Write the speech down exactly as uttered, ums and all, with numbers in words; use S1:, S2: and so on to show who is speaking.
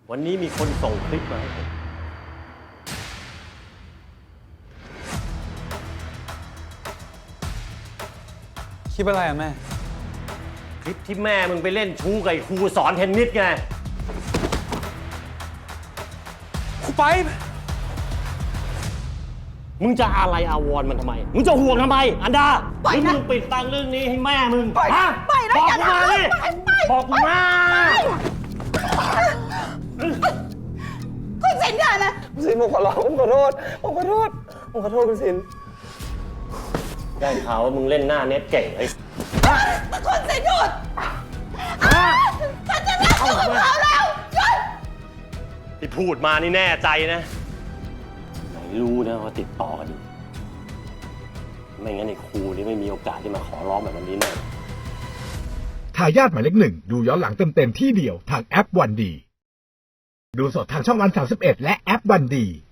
S1: วันนี้มีคนส่งคลิปมาให้ผม
S2: คลิปอะไรอะแม่
S1: คลิปที่แม่มึงไปเล่นชู้กับไอ้ครูสอนเทนนิสไง
S2: ครูไป
S1: มึงจะอะไรอาวรณ์มันทำไมมึงจะห่วงทำไมอันดา
S3: ปล่อย
S1: หรือ
S3: นะ
S1: มึงปิดตังเรื่องนี้ให้แม่มึง
S3: ปล่อย
S1: ฮะ
S3: ปล่อยนะ
S1: บอก
S3: อย่า
S1: กูมา
S3: ทำ
S1: ดิ
S3: ปล่อยปล่อย
S1: บอกกูมา
S3: คุณสินอย่านะ
S4: คุณสินผมขอร้องผมขอโทษผมขอโทษผมขอโทษคุณสิน
S1: ได้ข่าวว่ามึงเล่นหน้าเน็ตเก่งไอ้
S3: คุณสินหยุดฉันจะเลิกอยู่กับเขาแล้วหยุด
S1: ที่พูดมานี่แน่ใจนะไหนรู้นะว่าติดต่อกันอยู่ไม่งั้นไอ้ครูนี่ไม่มีโอกาสที่มาขอร้องแบบนี้แน่
S5: ทายาทหมายเลขหนึ่งดูย้อนหลังเต็มๆที่เดียวทางแอปวันดีดูสดทางช่องวันสามสิบเอ็ดและแอปวันดี